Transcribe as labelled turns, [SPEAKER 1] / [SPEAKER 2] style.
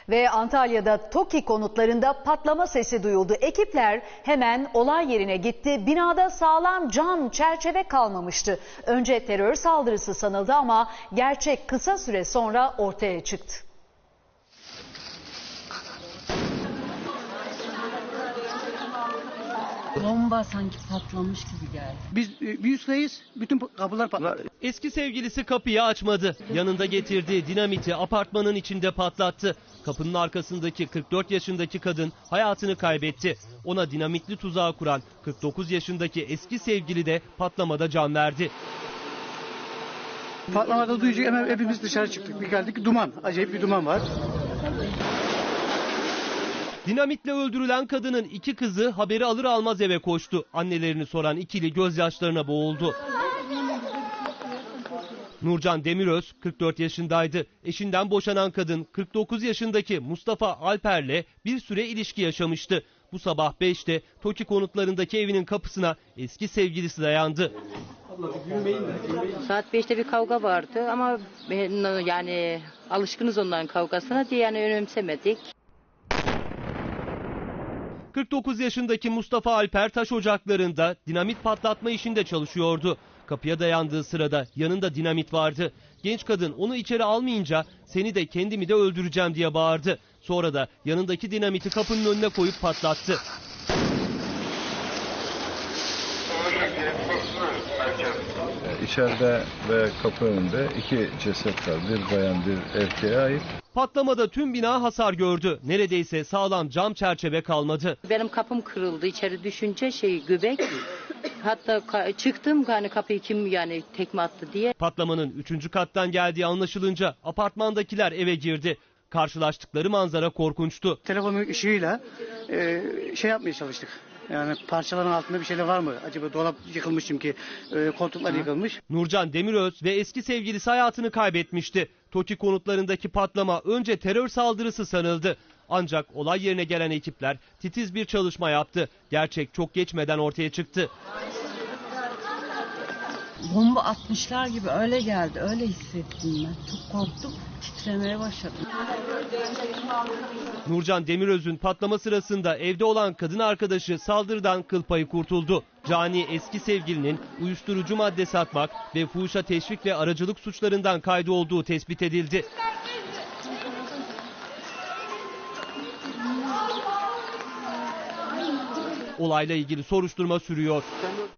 [SPEAKER 1] Ve Antalya'da TOKİ konutlarında patlama sesi duyuldu. Ekipler hemen olay yerine gitti. Binada sağlam cam, çerçeve kalmamıştı. Önce terör saldırısı sanıldı ama gerçek kısa süre sonra ortaya çıktı.
[SPEAKER 2] Bomba sanki patlamış gibi geldi.
[SPEAKER 3] Biz bir üstteyiz, bütün kapılar patladı.
[SPEAKER 4] Eski sevgilisi kapıyı açmadı. Yanında getirdiği dinamiti apartmanın içinde patlattı. Kapının arkasındaki 44 yaşındaki kadın hayatını kaybetti. Ona dinamitli tuzağı kuran 49 yaşındaki eski sevgili de patlamada can verdi.
[SPEAKER 3] Patlamada duyunca hemen hepimiz dışarı çıktık. Bir geldik, duman, acayip bir duman var.
[SPEAKER 4] Dinamitle öldürülen kadının iki kızı haberi alır almaz eve koştu. Annelerini soran ikili gözyaşlarına boğuldu. Nurcan Demiröz 44 yaşındaydı. Eşinden boşanan kadın 49 yaşındaki Mustafa Alper'le bir süre ilişki yaşamıştı. Bu sabah 5'te TOKİ konutlarındaki evinin kapısına eski sevgilisi dayandı.
[SPEAKER 2] Saat 5'te bir kavga vardı ama yani alışkınız onların kavgasına diye yani önemsemedik.
[SPEAKER 4] 49 yaşındaki Mustafa Alper taş ocaklarında dinamit patlatma işinde çalışıyordu. Kapıya dayandığı sırada yanında dinamit vardı. Genç kadın onu içeri almayınca seni de kendimi de öldüreceğim diye bağırdı. Sonra da yanındaki dinamiti kapının önüne koyup patlattı.
[SPEAKER 5] İçeride ve kapı önünde iki ceset var. Bir bayan, bir erkeğe ait.
[SPEAKER 4] Patlamada tüm bina hasar gördü. Neredeyse sağlam cam çerçeve kalmadı.
[SPEAKER 2] Benim kapım kırıldı. İçeri düşünce göbek. Hatta çıktım hani kapıyı kim yani tekme attı diye.
[SPEAKER 4] Patlamanın 3. kattan geldiği anlaşılınca apartmandakiler eve girdi. Karşılaştıkları manzara korkunçtu.
[SPEAKER 3] Telefonun ışığıyla yapmaya çalıştık. Yani parçaların altında bir şeyler var mı? Acaba dolap yıkılmış çünkü koltuklar yıkılmış.
[SPEAKER 4] Nurcan Demiröz ve eski sevgilisi hayatını kaybetmişti. TOKİ konutlarındaki patlama önce terör saldırısı sanıldı. Ancak olay yerine gelen ekipler titiz bir çalışma yaptı. Gerçek çok geçmeden ortaya çıktı.
[SPEAKER 2] Bomba atmışlar gibi öyle geldi. Öyle hissettim ben. Çok korktum. Titremeye başladım.
[SPEAKER 4] Nurcan Demiröz'ün patlama sırasında evde olan kadın arkadaşı saldırıdan kıl payı kurtuldu. Cani eski sevgilinin uyuşturucu madde satmak ve fuhuşa teşvik ve aracılık suçlarından kaydı olduğu tespit edildi. Olayla ilgili soruşturma sürüyor.